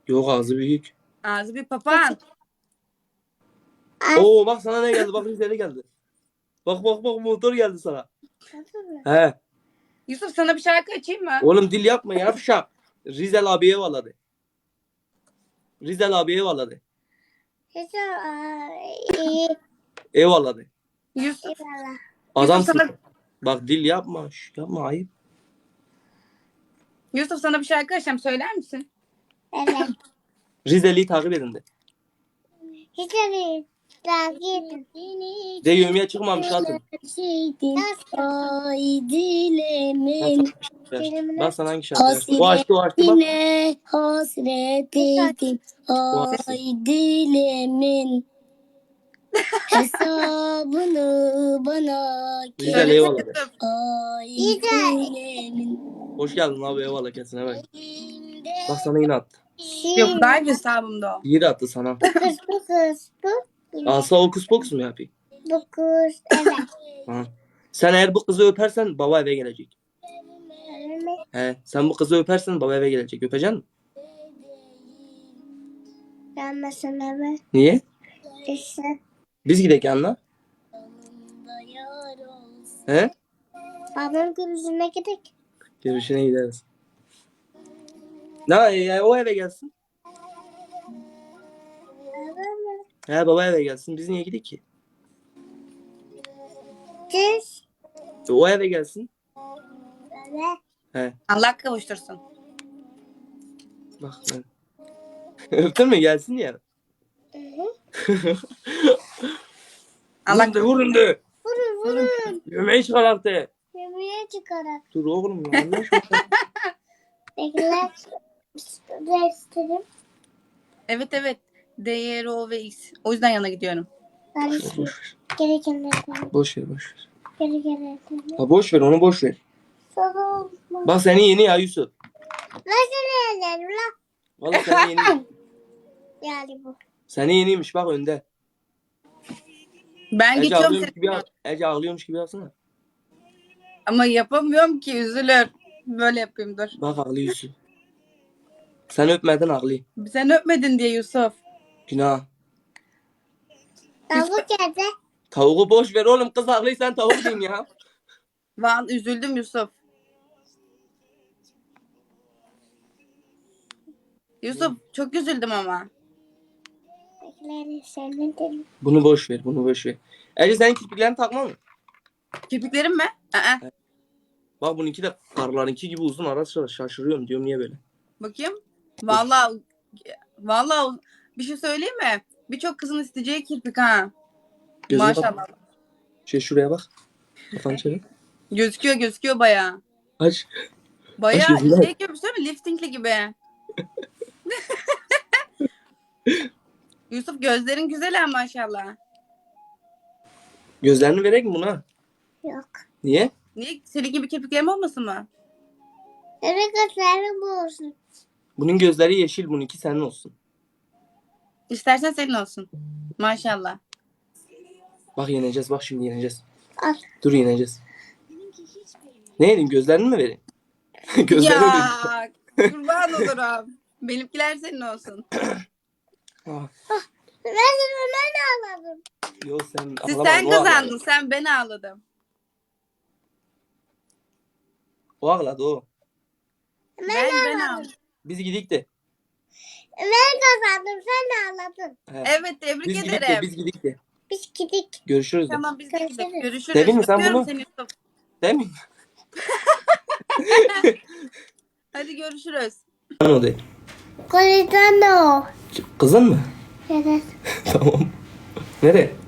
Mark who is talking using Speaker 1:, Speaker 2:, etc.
Speaker 1: Yok, ağzı büyük.
Speaker 2: Ağzı bir papağan.
Speaker 1: Oo bak sana ne geldi? Bak Rizeli geldi. Bak motor geldi sana. He.
Speaker 2: Yusuf sana bir şarkı açayım mı?
Speaker 1: Oğlum dil yapma yavşak. Rizel abiye valladı. Rizel abiye valladı. Eyvallah de.
Speaker 2: Yusuf
Speaker 1: Adamsın.
Speaker 2: sana,
Speaker 1: Bak dil yapma. Yapma ayıp.
Speaker 2: Yusuf sana bir şarkı açacağım, söyler misin?
Speaker 3: Evet.
Speaker 1: Rizeli'yi takip edin de. De yövmeye çıkmamış atın.
Speaker 3: Ay dilemin
Speaker 1: Bak sana hangi şarkı açtı. O açtı bak.
Speaker 3: hasretine hasretiydim. Ay dilemin hesabını bana
Speaker 1: Güzel,
Speaker 3: kes.
Speaker 1: eyvallah.
Speaker 2: Yusuf.
Speaker 3: Ay dilemin
Speaker 1: Hoş geldin abi eyvallah kesine bak. Bak sana yine attı.
Speaker 2: Yok, daha hesabımda o.
Speaker 1: Yine attı sana. Asla okus pokus mu yapayım?
Speaker 3: Dokuz. Evet.
Speaker 1: Ha. Sen eğer bu kızı öpersen baba eve gelecek. He. Sen bu kızı öpersen baba eve gelecek. Öpeceksin mi?
Speaker 3: Gelmesin eve.
Speaker 1: Niye?
Speaker 3: İşte.
Speaker 1: Biz gidelim yanına. He?
Speaker 3: Babam gözüne gidelim.
Speaker 1: Görüşüne gideriz. Ne o eve gelsin. He baba eve gelsin. Biz niye gidelim ki?
Speaker 3: Düz.
Speaker 1: O eve gelsin.
Speaker 3: Evet.
Speaker 1: He.
Speaker 2: Allah kavuştursun.
Speaker 1: Bak ben. Öptün mü gelsin ya.
Speaker 2: Allah
Speaker 1: Vurun de.
Speaker 3: Vurun.
Speaker 1: Yemeği çıkar artık.
Speaker 3: Yemeğe çıkarak.
Speaker 1: Dur oğlum ya. Allah aşkına.
Speaker 3: Bekler. Restlerim.
Speaker 2: Evet. D, R, ve X. O yüzden yana gidiyorum.
Speaker 1: Boş ver.
Speaker 3: Gerekenlerden.
Speaker 1: Boş ver.
Speaker 3: Gerekenlerden.
Speaker 1: Ha, boş ver onu boş ver.
Speaker 3: Sonra olmaz.
Speaker 1: Bak seni yeni ya Yusuf.
Speaker 3: Nasıl yerlerim la?
Speaker 1: Vallahi seni yeni.
Speaker 3: Yani bu.
Speaker 1: Seni yeniymiş bak önde.
Speaker 2: Ben
Speaker 1: Ece
Speaker 2: geçiyorum
Speaker 1: ağlıyormuş
Speaker 2: seni.
Speaker 1: gibi Ece ağlıyormuş gibi yapsana.
Speaker 2: Ama yapamıyorum ki, üzülür. Böyle yapayım, dur.
Speaker 1: Bak ağlıyor Yusuf. Sen öpmeden ağlıyor.
Speaker 2: Sen öpmedin diye Yusuf.
Speaker 1: Günah.
Speaker 3: Tavuk yerde.
Speaker 1: Tavuğu boş ver oğlum kız ağlıyor sen tavuk din ya.
Speaker 2: Vallahi üzüldüm Yusuf. Yusuf çok üzüldüm ama.
Speaker 3: Beklerim senin dedim.
Speaker 1: Bunu boş ver. Ece senin kirpiklerini takma mı?
Speaker 2: Kirpiklerim mi? Aa.
Speaker 1: Bak bununki de karlarınki gibi uzun ara sıra şaşırıyorum diyorum niye böyle.
Speaker 2: Bakayım. Vallahi bir şey söyleyeyim mi? Birçok kızın isteyeceği kirpik ha.
Speaker 1: Gözüne
Speaker 2: Maşallah.
Speaker 1: bak. Şuraya bak. Kafanı çevir.
Speaker 2: Gözüküyor bayağı.
Speaker 1: Aç.
Speaker 2: Bayağı
Speaker 1: Aç gözünü.
Speaker 2: şey gibi, söyle mi? Liftingli gibi. Yusuf gözlerin güzel ha maşallah.
Speaker 1: Gözlerini verek mi buna?
Speaker 3: Yok.
Speaker 1: Niye?
Speaker 2: Niye? Senin gibi kirpiklerim olmasın mı?
Speaker 3: Evet gözlerim bu olsun.
Speaker 1: Bunun gözleri yeşil bununki senin olsun.
Speaker 2: İstersen senin olsun. Maşallah.
Speaker 1: Bak yeneceğiz bak şimdi yeneceğiz.
Speaker 3: Al.
Speaker 1: Dur yeneceğiz. Ne edeyim gözlerini mi vereyim? Gözlerini vereyim.
Speaker 2: Ya kurban olurum. Benimkiler senin olsun.
Speaker 1: Ah,
Speaker 3: Ben ağladım.
Speaker 1: yok sen
Speaker 2: Sen
Speaker 1: o
Speaker 2: kazandın.
Speaker 1: ağladı.
Speaker 2: Sen, ben ağladım.
Speaker 1: O ağladı o.
Speaker 2: Ben ağladım.
Speaker 1: Biz gidik de.
Speaker 3: Ben kazandım sen ağladın.
Speaker 1: He.
Speaker 2: Evet, tebrik
Speaker 1: Biz gidik de
Speaker 2: ederim.
Speaker 1: biz gidik de.
Speaker 3: Biz gidik.
Speaker 1: Görüşürüz de.
Speaker 2: Tamam, biz de gidelim.
Speaker 3: Görüşürüz.
Speaker 2: Görüşürüz.
Speaker 1: Dedin mi sen
Speaker 2: Öpüyorum
Speaker 1: bunu?
Speaker 2: seni Yusuf.
Speaker 1: Değil mi?
Speaker 2: Hadi görüşürüz.
Speaker 1: O değil.
Speaker 3: Koridorda o.
Speaker 1: Kızın mı?
Speaker 3: Evet.
Speaker 1: Tamam. Nereye?